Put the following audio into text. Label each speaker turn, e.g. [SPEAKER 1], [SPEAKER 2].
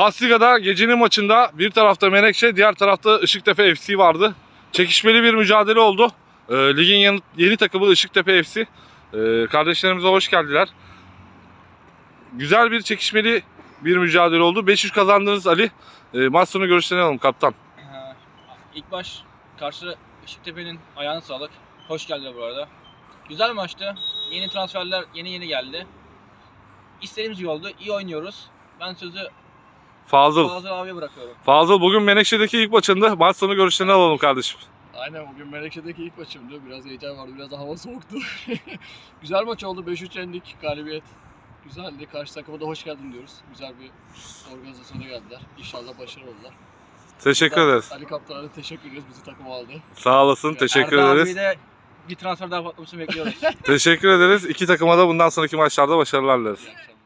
[SPEAKER 1] Basliga'da gecenin maçında bir tarafta Menekşe, diğer tarafta Işıktepe FC vardı. Çekişmeli bir mücadele oldu. Ligin yeni takımı Işıktepe FC. Kardeşlerimize hoş geldiler. Güzel bir çekişmeli bir mücadele oldu. 5-3 kazandınız Ali. Maç sonu görüşlerini alalım kaptan.
[SPEAKER 2] İlk baş karşı Işıktepe'nin ayağına sağlık. Hoş geldiler bu arada. Güzel maçtı. Yeni transferler yeni geldi. İstediğimiz gibi oldu. İyi oynuyoruz. Ben sözü
[SPEAKER 1] Fazıl
[SPEAKER 2] abiye bırakıyorum.
[SPEAKER 1] Fazıl bugün Menekşe'deki ilk maçında. Maç sonu görüşlerini alalım kardeşim.
[SPEAKER 3] Aynen, bugün Menekşe'deki ilk maçımdı. Biraz heyecan vardı, biraz da hava soğuktu. Güzel maç oldu. 5-3 yendik. Galibiyet güzeldi. Karşı takıma da hoş geldin diyoruz. Güzel bir organizasyona geldiler. İnşallah başarılı oldular.
[SPEAKER 1] Teşekkür ederiz.
[SPEAKER 3] Ali Kaptan'a da teşekkür ediyoruz. Bizi takıma aldı.
[SPEAKER 1] Sağ olasın. Teşekkür
[SPEAKER 2] Arda
[SPEAKER 1] ederiz.
[SPEAKER 2] abiyi de bir transfer daha patlamasını bekliyoruz.
[SPEAKER 1] Teşekkür ederiz. İki takıma da bundan sonraki maçlarda başarılar dileriz.
[SPEAKER 3] İyi akşamlar.